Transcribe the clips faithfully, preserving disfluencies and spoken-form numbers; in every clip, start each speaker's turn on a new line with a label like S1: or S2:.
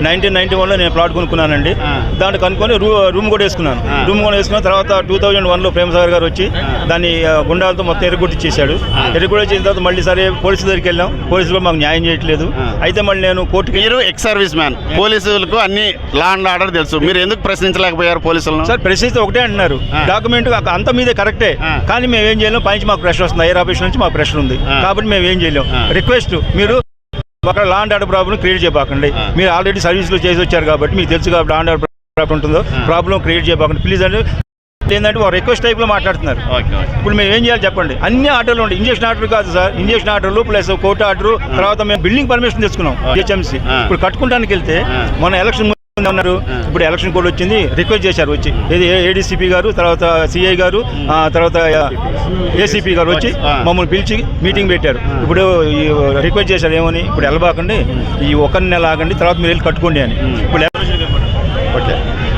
S1: Nineteen ninety వన్లో నేను plot కొనుక్కున్నానండి. దాన్ని కనుక్కొని రూ రూమ్ కూడా వేసుకున్నాను. రూమ్ కూడా వేసుకున్న తర్వాత టూ థౌజండ్ వన్లో ప్రేమసాగర్ గారు వచ్చి దాన్ని గుండాలతో మొత్తం ఎరగొట్టిచ్చేశాడు. ఎరగొట్టించిన తర్వాత మళ్ళీ సరే పోలీసుల దగ్గరికి వెళ్ళాం. పోలీసులు మాకు న్యాయం చేయట్లేదు. అయితే మళ్ళీ నేను కోర్టుకి.
S2: మీరు ఎక్స్ సర్వీస్ మ్యాన్, పోలీసులకు అన్ని లా అండ్ ఆర్డర్ తెలుసు, మీరు ఎందుకు ప్రశ్నించలేకపోయారు పోలీసులను?
S1: సార్ ప్రశ్నిస్తే ఒకటే అంటున్నారు, డాక్యుమెంట్ అంత మీదే కరెక్టే, కానీ మేము ఏం చేయలేం. పైనుంచి మాకు ప్రెషర్ వస్తుంది, ఐఆర్ ఆఫీస్ నుంచి మాకు ప్రెషర్ ఉంది కాబట్టి మేము ఏం చేయలేం. రిక్వెస్ట్, మీరు అక్కడ law and order problem create చేయబాకండి. మీరు ఆల్రెడీ సర్వీస్లో చేసి వచ్చారు కాబట్టి మీకు తెలుసు కాబట్టి లా అండ్ ఆర్డర్ ప్రాబ్లం ఉంటుందో ప్రాబ్లం క్రియేట్ చేయబాకండి ప్లీజ్ అంటే ఏంటంటే ఒక రిక్వెస్ట్ టైప్లో మాట్లాడుతున్నారు. ఇప్పుడు మేము ఏం చేయాలి చెప్పండి? అన్ని ఆర్డర్లు ఉంటాయి. ఇంజక్షన్ ఆర్డర్ కాదు సార్, ఇంజక్షన్ ఆర్డర్లు ప్లస్ కోర్టు ఆర్డర్, తర్వాత మేము బిల్డింగ్ పర్మిషన్ తెచ్చుకున్నాం జిహెచ్ఎంసీ. ఇప్పుడు కట్టుకుంటానికి వెళ్తే మన ఎలక్షన్ ఉన్నారు, ఇప్పుడు ఎలక్షన్ కోడ్ వచ్చింది, రిక్వెస్ట్ చేశారు వచ్చి ఏది ఏడీసీపీ గారు, తర్వాత సిఐ గారు, తర్వాత ఏసీపీ గారు వచ్చి మమ్మల్ని పిలిచి మీటింగ్ పెట్టారు. ఇప్పుడు ఈ రిక్వెస్ట్ చేశారు ఏమని, ఇప్పుడు వెళ్ళబాకండి, ఈ ఒక నెల ఆగండి, తర్వాత మీరు వెళ్ళి కట్టుకోండి అని. ఇప్పుడు
S2: ఓకే,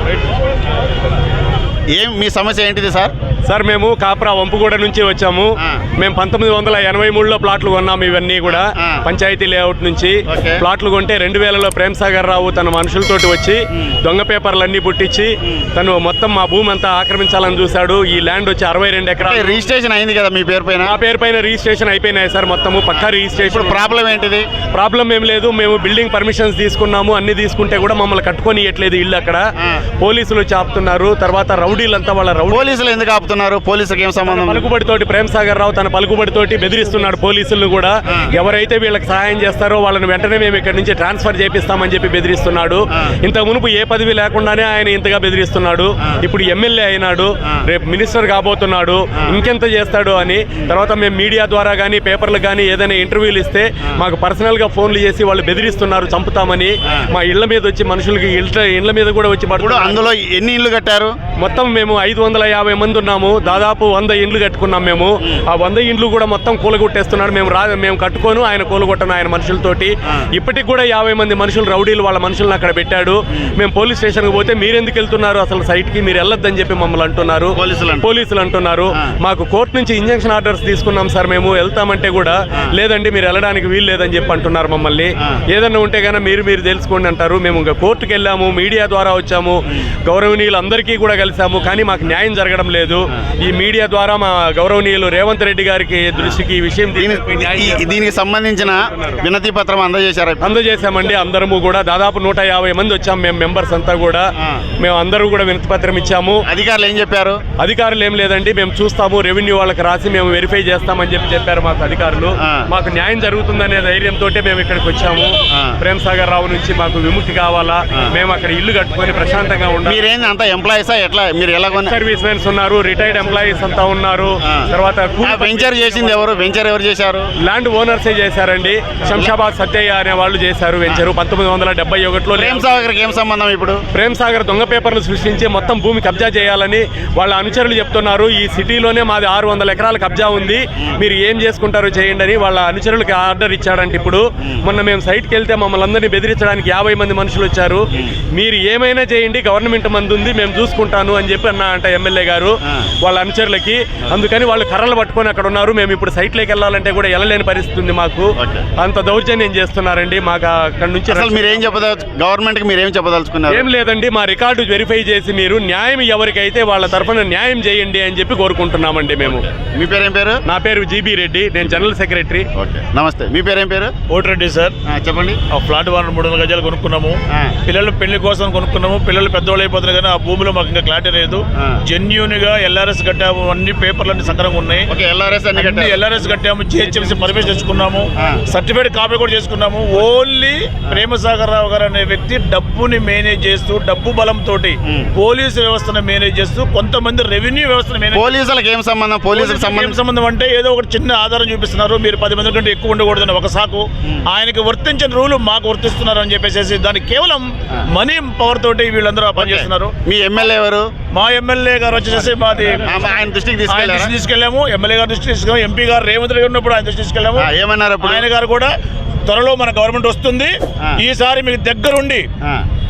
S2: ఏం మీ సమస్య ఏంటిది సార్?
S3: సార్ మేము కాప్రా వంపుగూడ నుంచి వచ్చాము. మేము పంతొమ్మిది వందల ఎనభై మూడులో ప్లాట్లు కొన్నాము. ఇవన్నీ కూడా పంచాయతీ లేఅవుట్ నుంచి ప్లాట్లు కొంటే రెండు వేలలో ప్రేమసాగర్ రావు తన మనుషులతోటి వచ్చి దొంగ పేపర్లన్నీ పుట్టించి తను మొత్తం మా భూమి అంతా ఆక్రమించాలని చూశాడు. ఈ ల్యాండ్ వచ్చి అరవై రెండు ఎకరాలు
S2: రిజిస్ట్రేషన్ అయింది కదా మీ పేరు పైన?
S3: మా పేరు పైన రిజిస్ట్రేషన్ అయిపోయినాయి సార్, మొత్తము పక్కా రిజిస్ట్రేషన్.
S2: ప్రాబ్లం ఏంటిది?
S3: ప్రాబ్లం ఏం లేదు, మేము బిల్డింగ్ పర్మిషన్స్ తీసుకున్నాము, అన్ని తీసుకుంటే కూడా మమ్మల్ని కట్టుకొని ఇవ్వట్లేదు ఇల్లు. అక్కడ పోలీసులు చాపుతున్నారు. తర్వాత రౌడీలంతా వాళ్ళ రౌడీ.
S2: పోలీసులు ఎందుకు ఆపుతున్నారు? పోలీసులకు ఏం సంబంధం?
S3: పలుకుబడితోటి ప్రేమసాగర్ రావు తన పలుకుబడితోటి బెదిరిస్తున్నాడు పోలీసులను కూడా. ఎవరైతే వీళ్ళకి సహాయం చేస్తారో వాళ్ళని వెంటనే మేము ఇక్కడ నుంచి ట్రాన్స్ఫర్ చేపిస్తామని చెప్పి బెదిరిస్తున్నాడు. ఇంత మునుపు ఏ పదవి లేకుండానే ఆయన ఇంతగా బెదిరిస్తున్నాడు. ఇప్పుడు ఎమ్మెల్యే అయినాడు, రేపు మినిస్టర్ కాబోతున్నాడు, ఇంకెంత చేస్తాడు అని. తర్వాత మేము మీడియా ద్వారా కానీ పేపర్లకు కానీ ఏదైనా ఇంటర్వ్యూలు ఇస్తే మాకు పర్సనల్గా ఫోన్లు చేసి వాళ్ళు బెదిరిస్తున్నారు, చంపుతామని. మా ఇళ్ల మీద వచ్చి మనుషులకి ఇళ్ల మీద కూడా వచ్చి పడుతుంది.
S2: అందులో ఎన్ని ఇళ్ళు కట్టారు?
S3: మొత్తం మేము ఐదు వందల యాభై మంది ఉన్నాము. దాదాపు వంద ఇండ్లు కట్టుకున్నాం మేము. ఆ వంద ఇండ్లు కూడా మొత్తం కూలగొట్టేస్తున్నాడు. మేము రా మేము కట్టుకోను, ఆయన కూలగొట్టను ఆయన మనుషులతోటి. ఇప్పటికి కూడా యాభై మంది మనుషులు రౌడీలు వాళ్ళ మనుషులను అక్కడ పెట్టాడు. మేము పోలీస్ స్టేషన్కి పోతే మీరెందుకు వెళ్తున్నారు అసలు సైట్కి, మీరు వెళ్ళొద్దని చెప్పి మమ్మల్ని అంటున్నారు, పోలీసులు అంటున్నారు. మాకు కోర్టు నుంచి ఇంజక్షన్ ఆర్డర్స్ తీసుకున్నాం సార్, మేము వెళ్తామంటే కూడా లేదండి మీరు వెళ్ళడానికి వీలు లేదని చెప్పి అంటున్నారు మమ్మల్ని. ఏదన్నా ఉంటే కానీ మీరు మీరు తెలుసుకోండి అంటారు. మేము ఇంకా కోర్టుకు వెళ్ళాము, మీడియా ద్వారా వచ్చాము, గౌరవనీయులు అందరికీ కూడా కలిసాము, కానీ మాకు న్యాయం జరగడం లేదు. ఈ మీడియా ద్వారా మా గౌరవనీయులు రేవంత్ రెడ్డి గారికి దృష్టికి ఈ విషయం
S2: దీనికి సంబంధించిన వినతి పత్రం అందజేశారు?
S3: అందజేశామండి అందరము కూడా. దాదాపు నూట యాభై మంది వచ్చాము మేము మెంబర్స్ అంతా కూడా. మేము అందరూ కూడా వినతి పత్రం ఇచ్చాము.
S2: అధికారులు ఏం చెప్పారు?
S3: అధికారులు ఏం లేదండి, మేము చూస్తాము, రెవెన్యూ వాళ్ళకి రాసి మేము వెరిఫై చేస్తామని చెప్పి చెప్పారు మాకు అధికారులు. మాకు న్యాయం జరుగుతుందనే ధైర్యంతో మేము ఇక్కడికి వచ్చాము. ప్రేమసాగర్ రావు నుంచి మాకు విముక్తి కావాలా, మేము అక్కడ ఇల్లు కట్టుకొని ప్రశాంతంగా ఉండాలి.
S2: మీరేంది అంతా ఎంప్లాయీసా ఎట్లా? మీరు ఎలా
S3: సర్వీస్ మెన్స్ ఉన్నారు, రిటైర్డ్ ఎంప్లాయీస్ అంతా ఉన్నారు. తర్వాత
S2: వెంచర్ చేసింది ఎవరు? వెంచర్ ఎవరు చేశారు?
S3: ల్యాండ్ ఓనర్సే చేశారండి. శంషాబాద్ సత్యయ్య అనే వాళ్ళు చేశారు వెంచరు పంతొమ్మిది వందల డెబ్బై ఒకటిలో.
S2: ప్రేమసాగర్కి ఏం సంబంధం? ఇప్పుడు
S3: ప్రేమసాగర్ దొంగ పేపర్లు సృష్టించి మొత్తం భూమి కబ్జా చేయాలని వాళ్ళ అనుచరులు చెప్తున్నారు. ఈ సిటీలోనే మాది ఆరు వందల ఎకరాల కబ్జా ఉంది, మీరు ఏం చేసుకుంటారో చేయండి అని వాళ్ళ అనుచరులకు ఆర్డర్ ఇచ్చాడంటే. ఇప్పుడు మొన్న మేము సైట్కి వెళ్తే మమ్మల్ని అందరినీ బెదిరించడానికి యాభై మంది మనుషులు వచ్చారు. మీరు ఏమైనా చేయండి, గవర్నమెంట్ మంది ఉంది, మేము చూసుకుంటాను అని చెప్పి అన్నా అంట ఎమ్మెల్యే గారు వాళ్ళ అనుచరులకి. అందుకని వాళ్ళు కర్రలు పట్టుకొని అక్కడ ఉన్నారు. మేము ఇప్పుడు సైట్లోకి వెళ్ళాలంటే కూడా వెళ్ళలేని పరిస్థితి ఉంది. మాకు అంత దౌర్జన్యం చేస్తున్నారండి. మాకు అక్కడ నుంచి
S2: మీరేం చెప్పదలుచు గవర్నమెంట్కి మీరేం చెప్పదలుచుకున్నారు?
S3: ఏం లేదండి, మా రికార్డు వెరిఫై చేసి మీరు న్యాయం ఎవరికైతే వాళ్ళ తరఫున న్యాయం చేయండి అని చెప్పి కోరుకుంటున్నామండి మేము.
S2: మీ పేరేం పేరు?
S3: నా పేరు జీబీ రెడ్డి, నేను జనరల్ సెక్రటరీ.
S2: నమస్తే, మీ పేరేం పేరు?
S1: ఓటిరెడ్డి సార్.
S2: చెప్పండి.
S1: ఆ ఫ్లాట్ వన్ మూడు వందల గజాలు కొనుక్కున్నాము. పిల్లలు పెళ్లి కోసం కొనుక్కున్నాము. పిల్లలు పెద్దవాళ్ళు అయిపోతున్నారు కానీ ఆ భూమిలో మాకు ఇంకా క్లారిటీ లేదు. జెన్యూన్ గా ఎల్ఆర్ఎస్ కట్టాము, అన్ని పేపర్లు అన్ని సక్రంగా ఉన్నాయి. ఎల్ఆర్ఎస్ కట్టాము, జిహెచ్ఎంసీ పర్మిషన్ తెచ్చుకున్నాము, సర్టిఫికేట్ కాపీ కూడా చేసుకున్నాము. ఓన్లీ ప్రేమసాగర్ రావు గారు అనే వ్యక్తి డబ్బుని మేనేజ్ చేస్తూ, డబ్బు బలంతో పోలీసు వ్యవస్థను మేనేజ్ చేస్తూ, కొంతమంది రెవెన్యూ వ్యవస్థను మేనేజ్.
S2: పోలీసులకు ఏం సంబంధం? పోలీసులకు
S1: సంబంధం అంటే ఏదో ఒకటి చిన్న ఆధారం చూపిస్తున్నారు, మీరు పది మంది కంటే ఎక్కువ ఉండకూడదని ఒక సాకు. ఆయనకి వర్తించిన రూలు మాకు వర్తిస్తున్నారు అని చెప్పేసి దానికి కేవలం మనీ పవర్ తోటి వీళ్ళందరూ పనిచేస్తున్నారు.
S2: మీ ఎమ్మెల్యే ఎవరు?
S1: మా ఎమ్మెల్యే గారు వచ్చేసి మాది
S2: ఆయన దృష్టికి
S1: తీసుకెళ్ళాము. ఎమ్మెల్యే గారు దృష్టి తీసుకెళ్ళాము. ఎంపీ గారు రేవంత్ రెడ్డి ఉన్నప్పుడు ఆయన దృష్టి తీసుకెళ్ళాము.
S2: ఏమన్నారు?
S1: ఆయన గారు కూడా త్వరలో మన గవర్నమెంట్ వస్తుంది, ఈసారి మీకు దగ్గరుండి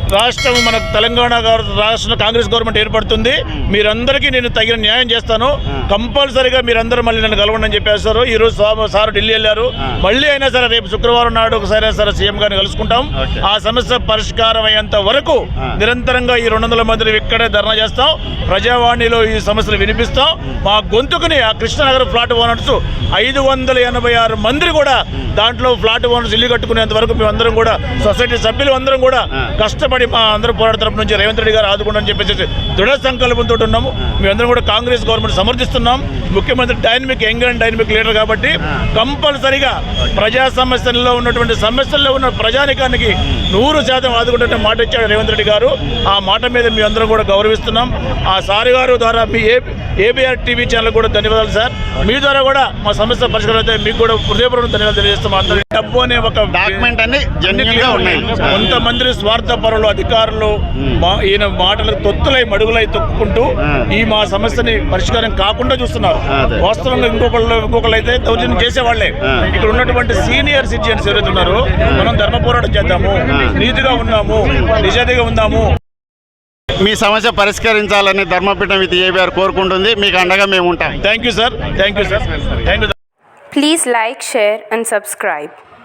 S4: రాష్ట్రం మన తెలంగాణ గవర్- రాష్ట్ర కాంగ్రెస్ గవర్నమెంట్ ఏర్పడుతుంది. మీరందరికీ నేను తగిన న్యాయం చేస్తాను. కంపల్సరీగా మీరందరూ మళ్ళీ నన్ను కలవండి అని చెప్పేస్తారు. ఈ రోజు స్వామి సార్ ఢిల్లీ వెళ్ళారు. మళ్ళీ అయినా సరే రేపు శుక్రవారం నాడు ఒకసారి సరే సీఎం గారిని కలుసుకుంటాం. ఆ సమస్య పరిష్కారం అయ్యేంత వరకు నిరంతరంగా ఈ రెండు వందల మంది ఇక్కడే ధర్నా చేస్తాం. ప్రజావాణిలో ఈ సమస్యలు వినిపిస్తాం. మా గొంతుకుని ఆ కృష్ణనగర్ ఫ్లాట్ ఓనర్స్ ఐదు వందల ఎనభై ఆరు మంది కూడా దాంట్లో ఫ్లాట్ ఓనర్స్ ఇల్లు కట్టుకునేంత వరకు మేమందరం కూడా సొసైటీ సభ్యులు అందరం కూడా కష్టపడి మా అందరూ పోరాట తరపు నుంచి రేవంత్ రెడ్డి గారు ఆదుకోండి అని చెప్పేసి దృఢ సంకల్పంతో ఉన్నాము. మేమందరం కూడా కాంగ్రెస్ గవర్నమెంట్ సమర్థిస్తున్నాం. ముఖ్యమంత్రి dynamic young and dynamic leader కాబట్టి కంపల్సరిగా ప్రజా సమస్యల్లో ఉన్నటువంటి సమస్యల్లో ఉన్న ప్రజానికానికి నూరు శాతం ఆదుకుంటే మాట ఇచ్చాడు రేవంత్ రెడ్డి గారు. ఆ మాట మీద మీ అందరం కూడా గౌరవిస్తున్నాం. ఆ సారి గారు ద్వారా మీ ఏ ఏబిఆర్ టీవీ ఛానల్ కూడా ధన్యవాదాలు సార్. మీ ద్వారా కూడా మా సమస్య పరిష్కారం అయితే మీకు కూడా హృదయపూర్వక ధన్యవాదాలు తెలియజేస్తాం. అందరూ డబ్బు అనే ఒక
S2: డాక్యుమెంట్ అన్ని జెన్యూన్ గా ఉన్నాయి.
S4: కొంతమంది స్వార్థ పరులు అధికారులు మా- ఈయన మాటలకు తొత్తులై మడుగులై తొక్కుకుంటూ ఈ మా సమస్యని పరిష్కారం కాకుండా చూస్తున్నారు.
S2: అదే.
S4: వాస్తవంగా ఇంకొకళ్ళు ఇంకొకళ్ళు అయితే దౌర్జన్యం చేసేవాళ్లే. ఇక్కడ ఉన్నటువంటి సీనియర్ సిటిజన్స్ ఎవరైతే ఉన్నారో మనం ధర్మ పోరాటం చేద్దాము, నీతిగా ఉన్నాము, నిజాయితీగా ఉందాము.
S2: మీ సమస్య పరిష్కరించాలని ధర్మపీఠం విత్ ఏబిఆర్ కోరుకుంటుంది. మీకు అండగా మేము ఉంటాం.
S4: Thank you sir. Thank you sir. Thank you.
S5: Please like, share and subscribe.